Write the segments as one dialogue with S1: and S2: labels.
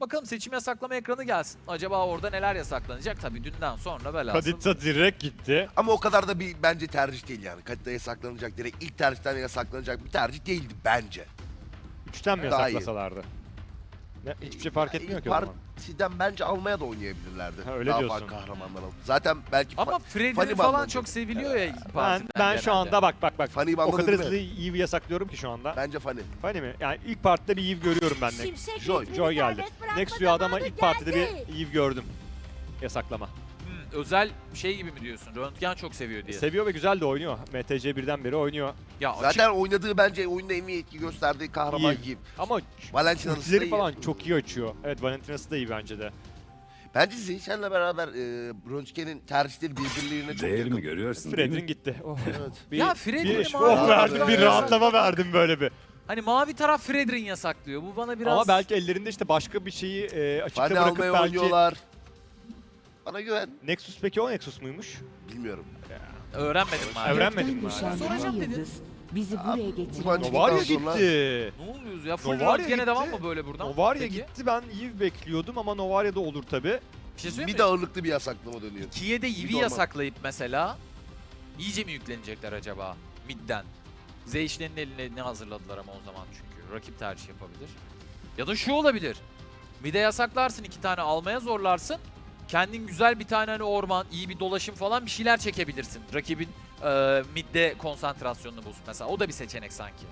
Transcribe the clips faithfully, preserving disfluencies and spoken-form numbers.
S1: Bakalım seçim yasaklama ekranı gelsin. Acaba orada neler yasaklanacak? Tabii dünden sonra velhasıl.
S2: Kadita direkt gitti.
S3: Ama o kadar da bir bence tercih değil yani. Kadita yasaklanacak direkt ilk tercihten yasaklanacak bir tercih değildi bence.
S2: Üçten mi
S3: Daha iyi.
S2: yasaklasalardı? Ne, hiçbir şey fark etmiyor
S3: İlk
S2: ki o zaman.
S3: partiden bence almaya da oynayabilirlerdi.
S2: Ha, öyle
S3: Daha
S2: diyorsun.
S3: farklı kahramanlar alıp. Zaten belki
S1: Ama
S3: fa-
S1: Freddy'nin
S3: Funny
S1: falan
S3: Bundle
S1: çok
S3: dedi.
S1: seviliyor ya ilk
S2: Ben
S1: partiden
S2: ben şu
S1: genelde.
S2: anda bak bak bak.
S3: Funny
S2: O
S3: Bundle
S2: kadar
S3: değil mi?
S2: hızlı Eve'i yasaklıyorum ki şu anda.
S3: Bence funny.
S2: Funny mi? Yani ilk partide bir Eve görüyorum ben de.
S4: Şimşek
S3: Joy.
S4: ritmini
S2: Joy geldi.
S4: serbest bırakma
S2: Next Rüya'da ama
S4: zamanı
S2: ilk partide
S4: geldi.
S2: bir Eve gördüm. Yasaklama.
S1: Hmm, özel şey gibi mi diyorsun? Röntgen çok seviyor diye.
S2: Seviyor ve güzel de oynuyor. M T C birden beri oynuyor.
S1: ya açık-
S3: Zaten oynadığı bence oyunda en iyi etki gösterdiği kahraman
S2: İyi.
S3: gibi.
S2: Ama
S3: Valentina'sı da
S2: ultileri
S3: iyi.
S2: falan çok iyi açıyor. Evet, Valentina'sı da iyi bence de.
S3: Bence Zeyşen'le beraber e, Röntgen'in tercihleri birbirlerine çok
S5: Değer
S3: yakın.
S5: mi görüyorsun değil
S2: Fredrin
S5: mi?
S2: gitti. Oh.
S3: Evet.
S2: Bir,
S1: Ya Fredrin
S2: bir,
S1: mavi
S2: oh
S3: tarafı
S2: verdim, bir
S3: biraz
S2: rahatlama verdim böyle bir.
S1: Hani mavi taraf Fredrin yasaklıyor. Bu bana biraz...
S2: Ama belki ellerinde işte başka bir şeyi e, açıkta
S3: Funny
S2: bırakıp
S3: almaya
S2: belki...
S3: oynuyorlar. Bana güven.
S2: Nexus peki o Nexus muymuş?
S3: Bilmiyorum.
S1: öğrenmedim
S2: Öğren-
S1: maalesef.
S2: Öğrenmedin mi
S4: Gökten
S2: hala?
S4: düşen
S1: Soracağım
S4: bir
S1: dedin.
S4: yıldız bizi buraya getiren
S3: Ulan-
S2: Novaria
S3: Ondan sonra-
S2: gitti.
S1: Ne oluyoruz ya? Full
S2: Novaria
S1: röntgene
S2: gitti.
S1: devam mı böyle buradan?
S2: Novaria
S1: Peki.
S2: gitti, ben Eve bekliyordum ama Novaria da olur tabi.
S1: Bir şey söyleyeyim
S3: Bir
S1: mi?
S3: de ağırlıklı bir yasaklama dönüyor.
S1: ikiye de
S3: Bir
S1: Eevee
S3: de
S1: yasaklayıp mesela iyice mi yüklenecekler acaba midden? Zeyş'lerin eline ne hazırladılar ama o zaman çünkü rakip tercih yapabilir. Ya da şu olabilir. Mid'e yasaklarsın, iki tane almaya zorlarsın. Kendin güzel bir tane hani orman, iyi bir dolaşım falan bir şeyler çekebilirsin. Rakibin e, midde konsantrasyonunu bozsun mesela. O da bir seçenek sanki.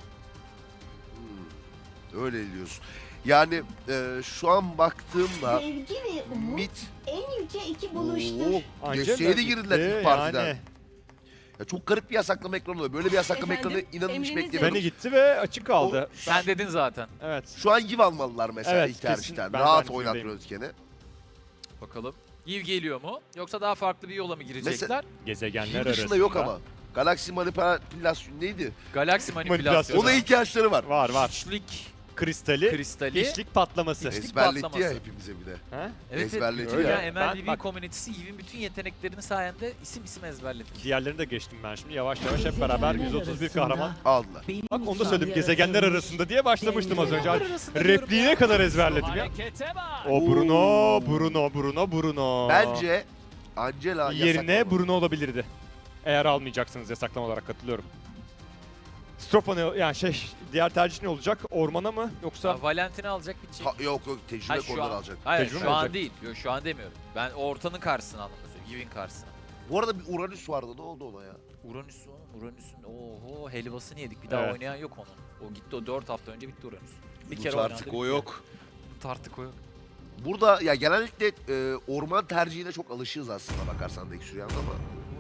S3: Hmm, öyle diyorsun. Yani e, şu an baktığımda
S6: Sevgi ve umut
S3: mid
S6: en yüce iki buluştur.
S3: Oo,
S2: Angela
S3: desteğe de girdiler
S2: gitti,
S3: ilk partiden.
S2: yani.
S3: Ya çok garip bir yasaklama ekranı oluyor. Böyle bir yasaklama
S6: Efendim,
S3: ekranı inanın hiç
S6: emrinizdeyim.
S3: beklemiyordum.
S2: Beni gitti ve açık kaldı.
S1: Sen dedin zaten.
S2: Evet.
S3: Şu an give almalılar mesela
S2: Evet,
S3: ilk
S2: kesin.
S3: tercihten.
S2: Ben de
S3: Rahat
S2: aynı
S3: oynat
S2: fikirdeyim.
S3: Röntgen'i.
S1: Bakalım. Eve geliyor mu? Yoksa daha farklı bir yola mı girecekler?
S2: Gezegenler
S3: Give
S2: arasında.
S3: dışında yok ama. Galaxy manipülasyon neydi?
S1: Galaksi manipülasyonu.
S3: Ona ihtiyaçları var.
S2: Var var.
S1: Hiçlik
S2: Kristali,
S1: kristali.
S2: hiçlik patlaması.
S1: Hiç-
S3: Ezberletti ya
S1: patlaması.
S3: hepimize bir de.
S2: Ha?
S1: Evet,
S3: Ezberletiyor
S1: evet.
S2: ya.
S1: Ya,
S2: Ben-
S1: M L B
S2: bak-
S1: komünitesi Eve'in bütün yeteneklerini sayende isim isim ezberledik.
S2: Diğerlerini de geçtim ben şimdi yavaş yavaş hep beraber yüz otuz bir kahraman.
S3: Aldılar.
S2: Bak onu da söyledim, gezegenler arasında diye başlamıştım az önce.
S1: Gezegenler arasında diyorum
S2: Repliğine
S1: ya.
S2: kadar ezberledim ya. O Bruno, Bruno, Bruno, Bruno.
S3: Bence Angela
S2: Yerine
S3: yasaklama.
S2: Bruno olabilirdi. Eğer almayacaksınız yasaklama olarak katılıyorum. Strofa ne, yani şey, diğer tercih ne olacak? Ormana mı yoksa?
S1: Ya, Valentin'i alacak bitecek.
S3: Ha, yok yok tecrübe
S1: Hayır, şu
S3: konuları
S1: an-
S3: alacak.
S1: Hayır
S2: Tecrübe
S1: şu
S2: mi
S1: an
S2: alacak?
S1: değil. Yok şu an demiyorum. Ben ortanın karşısına anlamda söylüyorum. Eve'in karşısına.
S3: Bu arada bir Uranüs vardı. Ne oldu ona ya?
S1: Uranüs o. Uranüs'ün oho helvasını yedik. Bir daha
S2: Evet.
S1: oynayan yok onun. O gitti o dört hafta önce bitti Uranüs. Bir
S3: Bu
S1: kere
S3: artık
S1: oynandı,
S3: o
S1: bitti.
S3: yok.
S1: Bu artık o yok.
S3: Burada ya genellikle e, orman tercihine çok alışığız aslında bakarsan da Xurian'da ama.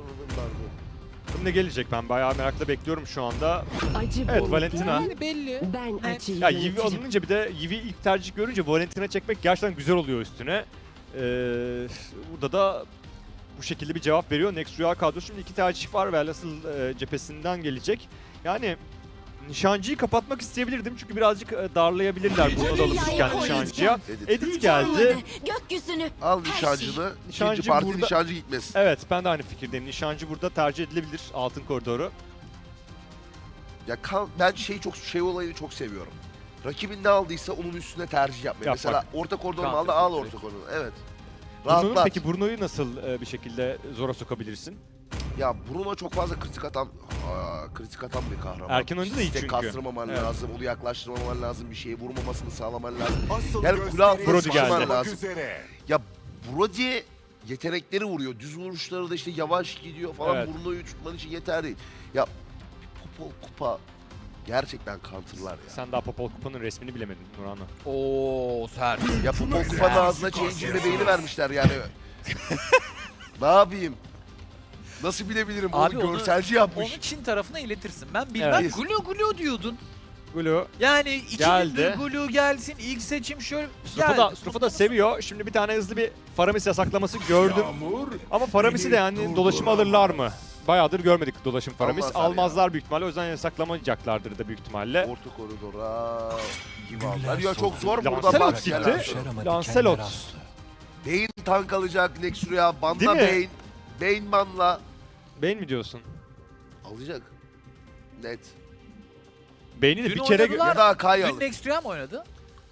S2: Ne gelecek, ben bayağı merakla bekliyorum şu anda.
S4: acı
S2: Evet,
S4: bulutlar,
S2: Valentina.
S1: Yani belli.
S4: Ben
S1: Evet.
S4: acıyı
S2: Ya Yivi
S4: yönetirim.
S2: alınınca bir de Yivi ilk tercih görünce Valentina çekmek gerçekten güzel oluyor üstüne. Ee, burada da bu şekilde bir cevap veriyor. Next Rüya kadrosu şimdi iki tercih var ve asıl e, cephesinden gelecek. Yani nişancıyı kapatmak isteyebilirdim çünkü birazcık e, darlayabilirler bunu da alışırken nişancıya.
S3: Edit.
S2: Edit geldi.
S6: Gökyüzünü.
S3: Al
S6: Her
S3: nişancını.
S2: Nişancı
S3: İkinci parti
S2: burada-
S3: nişancı gitmesin.
S2: Evet, ben de aynı fikirdeyim. Nişancı burada tercih edilebilir, altın koridoru.
S3: Ya kan, ben şey çok şey olayını çok seviyorum. Rakibin ne aldıysa onun üstüne tercih yapmayı.
S2: Yap
S3: Mesela
S2: bak.
S3: orta koridoru mu
S1: Counter
S3: aldı? Al
S1: direkt.
S3: orta koridoru. Evet.
S2: Bruno'yu,
S3: Rahatlat.
S2: peki Bruno'yu nasıl e, bir şekilde zora sokabilirsin?
S3: Ya Bruno çok fazla kritik atan, aa, kritik atan bir kahraman.
S2: Erken oyunda da iyi
S3: İstek
S2: çünkü.
S3: kastırmaman
S2: Evet.
S3: lazım, onu yaklaştırmaman lazım, bir şeye vurmamasını sağlaman lazım.
S5: Asıl
S3: Yani kule altına
S2: Brody
S3: sıkışman
S2: geldi.
S3: lazım.
S5: Üzere.
S3: Ya Brody yetenekleri vuruyor. Düz vuruşları da işte yavaş gidiyor falan.
S2: Evet.
S3: Bruno'yu tutman için yeterli değil. Ya Popol Kupa gerçekten counter'lar ya.
S2: Sen daha Popol Kupa'nın resmini bilemedin Nurhan'la.
S1: Oo sert.
S3: Ya Popol Kupa'nın ağzına change'in bebeğini vermişler yani. Ne yapayım? Nasıl bilebilirim?
S1: Abi
S3: Onu
S1: onu-
S3: görselci yapmış.
S1: Onu Çin tarafına iletirsin. Ben bilmem.
S2: Evet.
S1: Gulu gulu diyordun.
S2: Gulu.
S1: Yani iki
S2: Geldi.
S1: gündür gulu gelsin. İlk seçim şöyle
S2: Strofa da, Strofa da seviyor. Şimdi bir tane hızlı bir Faramis yasaklaması gördüm.
S5: Yağmur.
S2: Ama Faramis'i de yani dolaşıma alırlar mı? Bayağıdır görmedik dolaşım Faramis.
S3: Almazlar
S2: Almazlar
S3: ya.
S2: büyük ihtimalle. O yüzden yasaklamayacaklardır da büyük ihtimalle.
S3: Orta koridora gibi aldılar. Ya çok zor burada
S2: Lancelot
S3: bak.
S2: gitti. Lancelot.
S3: Bane tank alacak Nexuria.
S2: Değil
S3: Banda
S2: mi?
S3: Bane. Bane manla.
S2: Beğen mi diyorsun?
S3: Alacak. Net.
S2: Beğeni de
S1: Dün
S2: bir kere...
S1: oynadılar.
S3: Ya da Akai
S1: Dün
S3: alır.
S1: Next Rüya mı oynadı?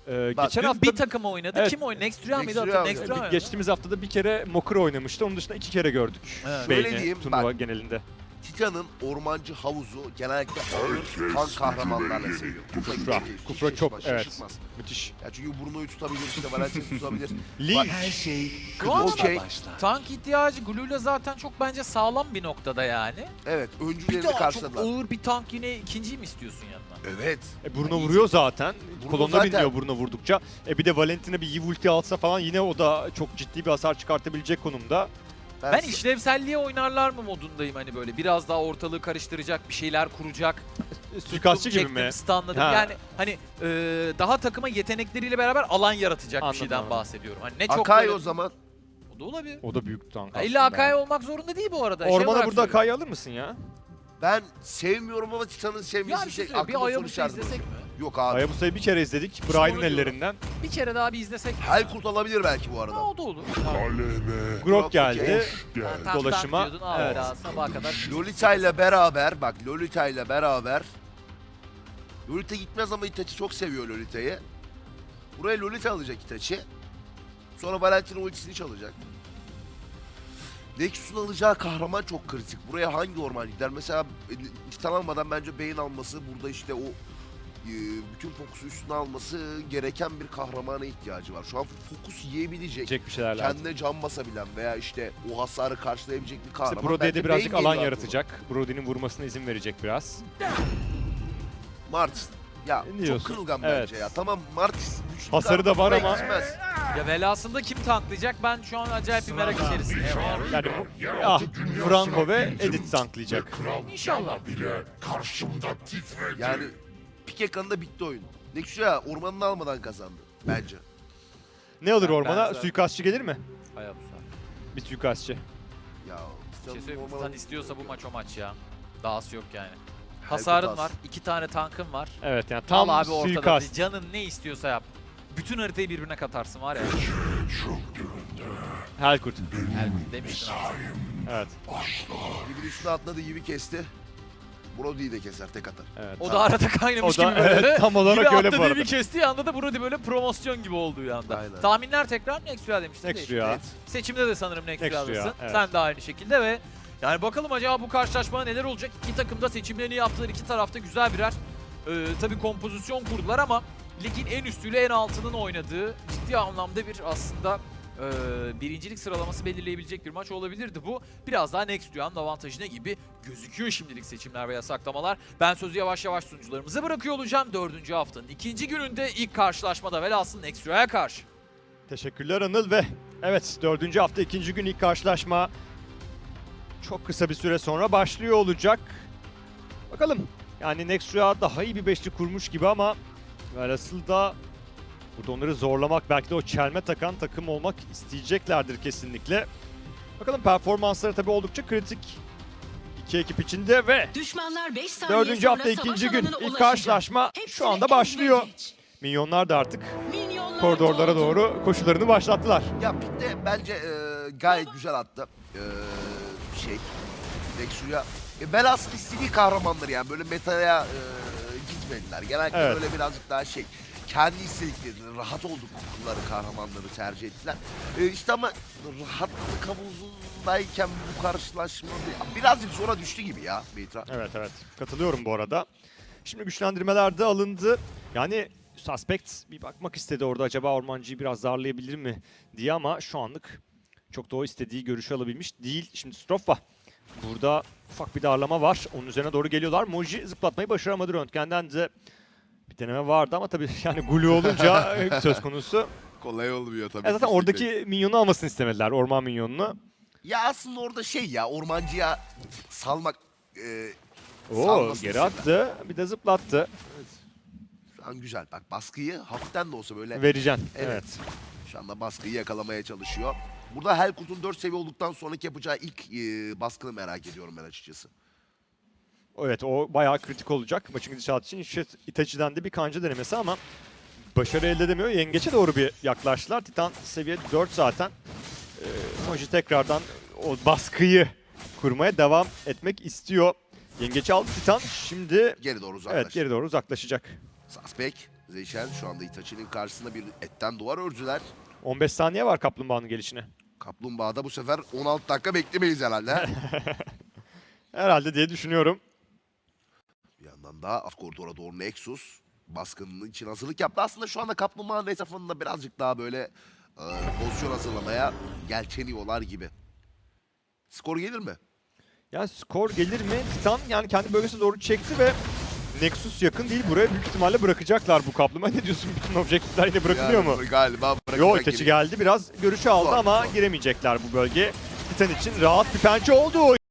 S2: Ee,
S3: Bak,
S2: geçen
S1: Dün
S2: hafta
S1: bir takıma oynadı.
S2: Evet.
S1: Kim oynadı? Next Rüya mıydı?
S3: Next Rüya
S1: Hatırla-
S3: oynadı.
S1: Next Rüya mıydı?
S2: geçtiğimiz haftada bir kere Mokur oynamıştı. Onun dışında iki kere gördük.
S1: Evet.
S3: Şöyle
S2: Beyni
S3: diyeyim,
S2: turnuva
S3: bak.
S2: genelinde.
S3: Titan'ın ormancı havuzu genellikle ağır kan kahramanlarla seviyor. Kufra,
S2: Kufra.
S3: gibi değil,
S2: Kufra
S3: hiç
S2: çok,
S3: şaşırtmaz,
S2: evet.
S3: şaşırtmaz.
S2: Müthiş.
S3: Ya çünkü Bruno'yu tutabilir, işte Valentin'i tutabilir.
S2: Lee.
S3: Bak,
S5: Her şey
S1: Şu an
S3: okey.
S1: tank ihtiyacı Glue'la zaten çok bence sağlam bir noktada yani.
S3: Evet,
S1: Bir
S3: öncülerini
S1: daha çok
S3: karşıladılar.
S1: ağır bir tank yine ikinciyi mi istiyorsun yanına?
S3: Evet.
S2: E, Bruno vuruyor zaten.
S3: Bruno
S2: Kolonuna
S3: zaten-
S2: biniyor Bruno vurdukça. E bir de Valentina bir iyi ulti alsa falan yine o da çok ciddi bir hasar çıkartabilecek konumda.
S1: Ben işlevselliğe oynarlar mı modundayım hani böyle biraz daha ortalığı karıştıracak bir şeyler kuracak.
S2: E, Suikastçı
S1: Tuttum,
S2: gibi mi?
S1: çektim, stunladım.
S2: Ha.
S1: Yani hani e, daha takıma yetenekleriyle beraber alan yaratacak
S2: Anladım,
S1: bir şeyden
S2: anladım.
S1: bahsediyorum. Hani ne çok
S3: Akai
S1: böyle-
S3: o zaman.
S1: O da olabilir.
S2: O da büyük tank
S1: Ya illa
S2: aslında.
S1: Akai olmak zorunda değil bu arada. Şey
S2: Ormana
S1: olarak
S2: burada
S1: söylüyorum.
S2: Akai'yi alır mısın ya?
S3: Ben sevmiyorum ama Titan'ın
S1: Ya
S3: sevmesi
S1: bir şey
S3: şey,
S1: söyleyeyim, bir
S3: aklımda soru
S1: Ayabus'u
S3: işareti
S1: izlesek
S3: bırakıyor.
S1: mi?
S3: Yok abi.
S2: Hayabusa'yı bir kere izledik.
S1: İşte
S2: Brian'ın
S1: onu diyorum.
S2: ellerinden.
S1: Bir kere daha bir izlesek mi?
S3: Helkurt olabilir belki bu
S1: Ha,
S3: arada.
S1: o da olur.
S2: Grok
S3: Grok
S2: geldi.
S1: Ha, tank,
S2: Dolaşıma,
S1: tank diyordun, abi
S2: evet.
S1: daha sabaha kadar.
S3: Lolita ile beraber, bak Lolita ile beraber. Lolita gitmez ama Itachi çok seviyor Lolita'yı. Buraya Lolita alacak Itachi. Sonra Valentina ultisini çalacak. Nexus'un alacağı kahraman çok kritik. Buraya hangi orman gider? Mesela e, Titan almadan bence Bane alması, burada işte o e, bütün fokusu üstüne alması gereken bir kahramana ihtiyacı var. Şu an fokus yiyebilecek,
S2: Diyecek bir şeyler lazım.
S3: kendine can basabilen veya işte o hasarı karşılayabilecek bir kahraman.
S2: İşte Brody'ye de
S3: Bence
S2: birazcık
S3: Bane
S2: alan
S3: geliyor
S2: yaratacak. Brody'nin vurmasına izin verecek biraz.
S3: aklıma. Martis. Ya
S2: Ne
S3: çok
S2: diyorsun?
S3: kırılgan
S2: Evet.
S3: bence ya. Tamam Martis güçlü
S2: Hasarı da var
S3: kahraman
S2: ama-
S3: gitmez.
S1: Ya velasında kim tanklayacak? Ben şu an acayip bir merak içerisindeyim.
S2: Yani bu, ah, Franco ve Edith tanklayacak.
S1: İnşallah.
S3: Yani Pikeka'nın bitti oyun. Nexus'a ormanını almadan kazandı bence.
S2: Ne alır
S1: Ben-
S2: ormana?
S1: benzer.
S2: Suikastçı gelir mi?
S1: Hayabusa.
S2: Bir suikastçı.
S3: Ya
S1: Bir şey
S3: Titan'ın
S1: söyleyeyim mi?
S3: ormanı-
S1: Titan istiyorsa bu maç o maç ya. Dahası yok yani.
S3: Helkurt
S1: Hasarın
S3: az.
S1: var. iki tane tankın var.
S2: Evet yani tam
S1: Al abi ortada.
S2: suikast.
S1: Canın ne istiyorsa yap. Bütün haritayı birbirine katarsın var ya.
S2: Helkurt.
S1: Elbette demiştin abi.
S2: Evet.
S3: Gibi üstüne atladı gibi kesti. Brody'yi de keser tek atar.
S2: Evet.
S1: O da arada kaynamış
S2: O da-
S1: gibi böyle.
S2: evet, tam olarak
S1: gibi
S2: öyle bu
S1: atladığı
S2: arada.
S1: bir kestiği anda da Brody böyle promosyon gibi olduğu anda.
S3: Aynen.
S1: Tahminler tekrar Next Rüya demiştin.
S2: Next
S1: değil.
S2: Rüya.
S3: Evet.
S1: Seçimde de sanırım Next
S2: Next
S1: Rüya'dasın.
S2: Rüya, evet.
S1: Sen de aynı şekilde ve yani bakalım acaba bu karşılaşmada neler olacak? İki takım da seçimlerini yaptılar. İki tarafta güzel birer e, tabii kompozisyon kurdular ama ligin en üstüyle en altının oynadığı ciddi anlamda bir aslında e, birincilik sıralaması belirleyebilecek bir maç olabilirdi bu. Biraz daha Next Rüya'nın avantajına gibi gözüküyor şimdilik seçimler ve yasaklamalar. Ben sözü yavaş yavaş sunucularımıza bırakıyor olacağım. Dördüncü haftanın ikinci gününde ilk karşılaşmada velhasıl Next Rüya'ya karşı.
S2: Teşekkürler Anıl ve evet dördüncü hafta ikinci gün ilk karşılaşma çok kısa bir süre sonra başlıyor olacak. Bakalım yani Nexus'a daha iyi bir beşli kurmuş gibi ama velhasıl da burada onları zorlamak belki de o çelme takan takım olmak isteyeceklerdir kesinlikle. Bakalım performansları tabii oldukça kritik iki ekip içinde ve
S7: Düşmanlar beş saniye
S2: dördüncü
S7: sonra
S2: hafta ikinci
S7: savaş
S2: gün
S7: alanına
S2: ilk
S7: ulaşacak.
S2: karşılaşma
S7: Hepsini
S2: şu anda
S7: ezme
S2: başlıyor.
S7: geç.
S2: Minyonlar da artık
S7: Minyonlar
S2: koridorlara
S7: doğdu.
S2: doğru koşularını başlattılar.
S3: Ya Pitte bence e, gayet güzel attı. E, şey. Nexus'a. E, velhasıl istediği kahramanları yani böyle metaya e, gitmediler. Genellikle
S2: Evet.
S3: böyle birazcık daha şey. Kendi istediklerini, rahat oldukları kahramanları tercih ettiler. E, işte ama rahatlık havuzundayken bu karşılaşma bir- birazcık zora düştü gibi ya Beytra.
S2: Evet evet katılıyorum bu arada. Şimdi güçlendirmeler de alındı. Yani Suspect bir bakmak istedi orada acaba ormancıyı biraz darlayabilir mi diye ama şu anlık çok da o istediği görüşü alabilmiş değil. Şimdi Strofa burada ufak bir darlama var. Onun üzerine doğru geliyorlar. Moji zıplatmayı başaramadı. Röntgen'den de bir deneme vardı ama tabii yani Gulu olunca söz konusu.
S3: Kolay olmuyor tabii.
S2: E zaten oradaki minyonu almasını istemediler. Orman minyonunu.
S3: Ya aslında orada şey ya ormancıya salmak e,
S2: Oo
S3: salmasını
S2: geri
S3: istediler.
S2: attı. Bir de zıplattı.
S3: Şu an güzel. Bak baskıyı hafiften de olsa böyle
S2: Vereceksin.
S3: Evet.
S2: Evet.
S3: şu anda baskıyı yakalamaya çalışıyor. Burada Helkurt'un dört seviye olduktan sonraki yapacağı ilk e, baskını merak ediyorum ben açıkçası.
S2: Evet o bayağı kritik olacak maçın gidişatı için. İşte Itachi'den de bir kanca denemesi ama başarı elde edemiyor. Yengeç'e doğru bir yaklaştılar. Titan seviye dört zaten. Ee, Moji tekrardan o baskıyı kurmaya devam etmek istiyor. Yengeç'i aldı Titan. Şimdi
S3: Geri doğru uzaklaştı.
S2: evet geri doğru uzaklaşacak.
S3: Suspect Zeyşen şu anda Itachi'nin karşısında bir etten duvar ördüler.
S2: on beş saniye var kaplumbağanın gelişine.
S3: Kaplumbağa'da bu sefer on altı dakika beklemeyiz herhalde.
S2: Herhalde diye düşünüyorum.
S3: Bir yandan da alt koridora doğru Nexus baskının için hazırlık yaptı. Aslında şu anda Kaplumbağa'nın etrafında birazcık daha böyle e, pozisyon hazırlamaya yelteniyorlar gibi. Skor gelir mi?
S2: Yani skor gelir mi? Titan yani kendi bölgesine doğru çekti ve Nexus yakın değil. Buraya büyük ihtimalle bırakacaklar bu kapluma. Ne diyorsun? Bütün objektifler yine bırakılıyor
S3: Yani
S2: mu?
S3: Galiba bırakacak
S2: Yo, Itachi
S3: gibi.
S2: geldi. Biraz görüşü aldı
S3: Zor,
S2: ama
S3: zor.
S2: giremeyecekler bu bölge. Titan için rahat bir pençe oldu.